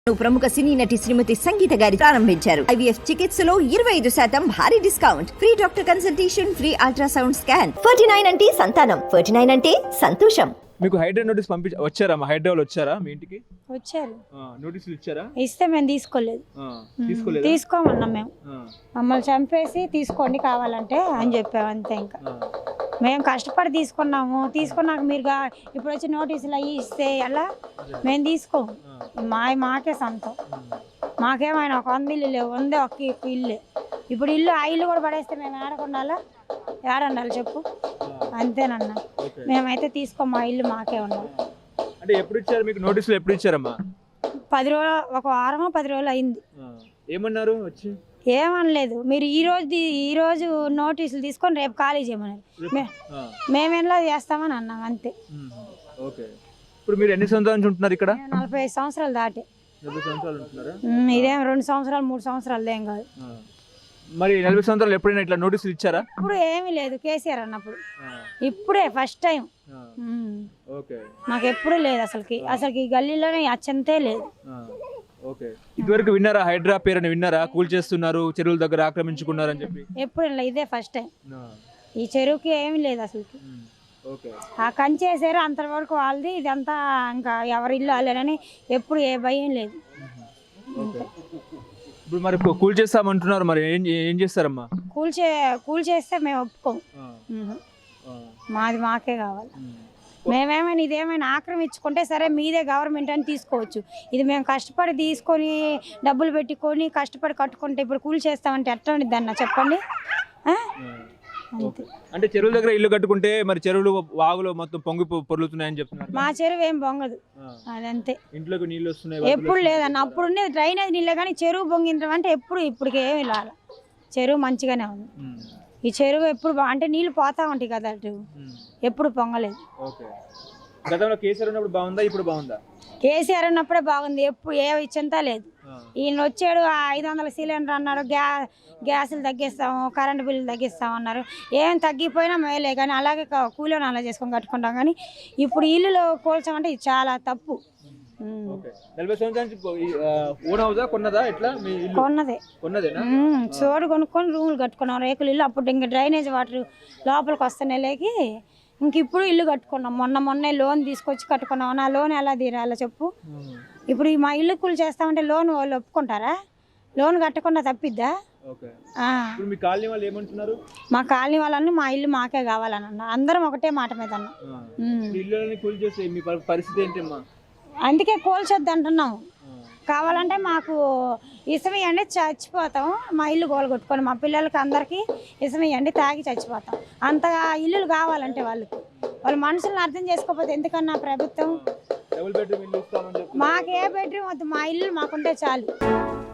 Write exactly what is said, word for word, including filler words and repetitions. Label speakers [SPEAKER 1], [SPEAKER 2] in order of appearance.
[SPEAKER 1] ప్రముఖ సినీ నటి శ్రీమతి సంగీత గారి ప్రారంభించారు. ఐవీఎఫ్ చికిత్సలో ఇరవై ఐదు శాతం భారీ discount, free doctor consultation, free ultrasound scan. Forty nine అంటే సంతానం, ఫార్టీ నైన్ అంటే సంతోషం.
[SPEAKER 2] మీకు హైడ్రా నోటీస్ పంపి వచ్చారా? మా హైడ్రాలు వచ్చారా మీ ఇంటికి?
[SPEAKER 3] వచ్చారు.
[SPEAKER 2] నోటీసులు ఇచ్చారా?
[SPEAKER 3] ఇస్తే మేము తీసుకోలేదు.
[SPEAKER 2] తీసుకోలేదు,
[SPEAKER 3] తీసుకోమన్నాం. మేము మమ్మల్ని చంపేసి తీసుకోండి కావాలంటే అని చెప్పాము అంతే. ఇంకా మేము కష్టపడి తీసుకున్నాము. తీసుకున్నాక మీరు ఇప్పుడు వచ్చి నోటీసులు అయ్యి ఇస్తే ఎలా మేము తీసుకోము. మా మాకే సొంతం. మాకేమైనా ఒక వంద ఇల్లు లేవు, వందే ఒక ఇల్లే. ఇప్పుడు ఇల్లు ఆ ఇల్లు కూడా పడేస్తే మేము ఏడకుండాలా ఏడండాలి చెప్పు. అంతేనన్నా, మేమైతే తీసుకోం. మా ఇల్లు మాకే ఉండాలి.
[SPEAKER 2] అంటే ఎప్పుడు ఇచ్చారు మీకు నోటీసులు? ఎప్పుడు ఇచ్చారమ్మా?
[SPEAKER 3] పది రోజులు, ఒక వారమో పది రోజులు అయింది.
[SPEAKER 2] ఏమన్నారు వచ్చి?
[SPEAKER 3] ఏమనలేదు. మీరు ఈ రోజు ఈ రోజు నోటీసులు తీసుకొని రేపు ఖాళీ చేయమన్నారు. మేమేలా చేస్తామని అన్నాం అంతే.
[SPEAKER 2] ఓకే. ఇప్పుడు మీరు ఎన్ని సంవత్సరాల నుంచి ఉంటున్నారు ఇక్కడ?
[SPEAKER 3] నలభై ఐదు సంవత్సరాలు దాటి.
[SPEAKER 2] ఇదేం
[SPEAKER 3] రెండు సంవత్సరాలు మూడు సంవత్సరాలు ఏం కాదు.
[SPEAKER 2] మరి నలభై సంవత్సరాలు ఎప్పుడైనా ఇట్లా నోటీసులు ఇచ్చారా?
[SPEAKER 3] ఇప్పుడు ఏమీ లేదు కేసీఆర్ అన్నప్పుడు. ఇప్పుడే ఫస్ట్ టైం. మాకు ఎప్పుడు లేదు అసలుకి. అసలుకి ఈ గల్లీలోనే అచ్చంతే లేదు.
[SPEAKER 2] ఓకే. ఇదివరకు విన్నారా హైడ్రా పేరుని? విన్నారా? కూల్ చేస్తున్నారు, చెరువుల దగ్గర ఆక్రమించుకున్నారు అని చెప్పి?
[SPEAKER 3] ఎప్పుడు ఇదే ఫస్ట్ టైం. ఈ చెరువుకి ఏమీ లేదు అసలుకి. ఆ కంచేసారు అంతవరకు వాళ్ళది. ఇదంతా ఇంకా ఎవరి ఇల్లు వాళ్ళని ఎప్పుడు ఏ భయం లేదు.
[SPEAKER 2] ఇప్పుడు మరి కూల్ చేస్తామంటున్నారు, మరి ఏం ఏం చేస్తారమ్మా?
[SPEAKER 3] కూల్ చే కూల్ చేస్తే మేము ఒప్పుకోం. మాది మాకే కావాలి. మేమేమైనా ఇదేమైనా ఆక్రమించుకుంటే సరే మీదే గవర్నమెంట్ అని తీసుకోవచ్చు. ఇది మేము కష్టపడి తీసుకొని డబ్బులు పెట్టుకొని కష్టపడి కట్టుకుంటే ఇప్పుడు కూల్ చేస్తామంటే ఎట్లా ఉండిద్ది అన్న చెప్పండి.
[SPEAKER 2] అంటే చెరువుల దగ్గర ఇల్లు కట్టుకుంటే మరి చెరువులు వాగులు మొత్తం పొంగి పొర్లుతున్నాయని చెప్తున్నారు.
[SPEAKER 3] మా చెరువు ఏం పొంగదు. అదంతే.
[SPEAKER 2] ఇంట్లోకి నీళ్ళు వస్తున్నాయి?
[SPEAKER 3] ఎప్పుడు లేదన్న. అప్పుడు ఉండేది డ్రైనేజ్ నీళ్ళే కానీ చెరువు పొంగించడం అంటే ఎప్పుడు ఇప్పటికి ఏమి రాలే. చెరువు మంచిగానే ఉంది. ఈ చెరువు ఎప్పుడు అంటే నీళ్ళు పోతా ఉంటాయి కదా, అటు ఎప్పుడు పొంగలేదు.
[SPEAKER 2] గతంలో కేసీఆర్ ఉన్నప్పుడు బాగుందా, ఇప్పుడు బాగుందా?
[SPEAKER 3] కేసీఆర్ ఉన్నప్పుడే బాగుంది. ఎప్పుడు ఏ ఇచ్చంతా లేదు. ఈయన వచ్చాడు ఐదు వందల సిలిండర్ అన్నారు, గ్యా గ్యాసులు తగ్గిస్తాము, కరెంటు బిల్లులు తగ్గిస్తాము అన్నారు. ఏం తగ్గిపోయినా మేలే కానీ అలాగే కూలీని అలా చేసుకొని కట్టుకుంటాం. కానీ ఇప్పుడు ఇల్లులో కూల్చామంటే ఇది చాలా తప్పు. చోటు కొనుక్కొని రూములు కట్టుకున్నాం, రేకులు ఇల్లు. అప్పుడు ఇంకా డ్రైనేజ్ వాటర్ లోపలికి వస్తున్నాయి లేకి ఇంక ఇప్పుడు ఇల్లు కట్టుకున్నాం. మొన్న మొన్నే లోన్ తీసుకొచ్చి కట్టుకున్నాం. నా లోన్ ఎలా తీరాలో చెప్పు. ఇప్పుడు మా ఇల్లు కూలి చేస్తామంటే లోన్ వాళ్ళు ఒప్పుకుంటారా? లోన్ కట్టకుండా తప్పిద్దా? మా కాలనీ వాళ్ళని మా ఇల్లు మాకే కావాలని అన్న. అందరం ఒకటే మాట మీద అన్న. అందుకే కూల్చొద్దు అంటున్నాము. కావాలంటే మాకు ఇసమియండి చచ్చిపోతాం. మా ఇల్లు గోలు కొట్టుకొని మా పిల్లలకి అందరికీ ఇసమియండి తాగి చచ్చిపోతాం. అంతగా ఇల్లులు కావాలంటే వాళ్ళకి వాళ్ళు మనుషులను అర్థం చేసుకోకపోతే ఎందుకన్నా ప్రభుత్వం? మాకు ఏ బెడ్రూమ్ వద్దు, మా ఇల్లు మాకుంటే చాలు.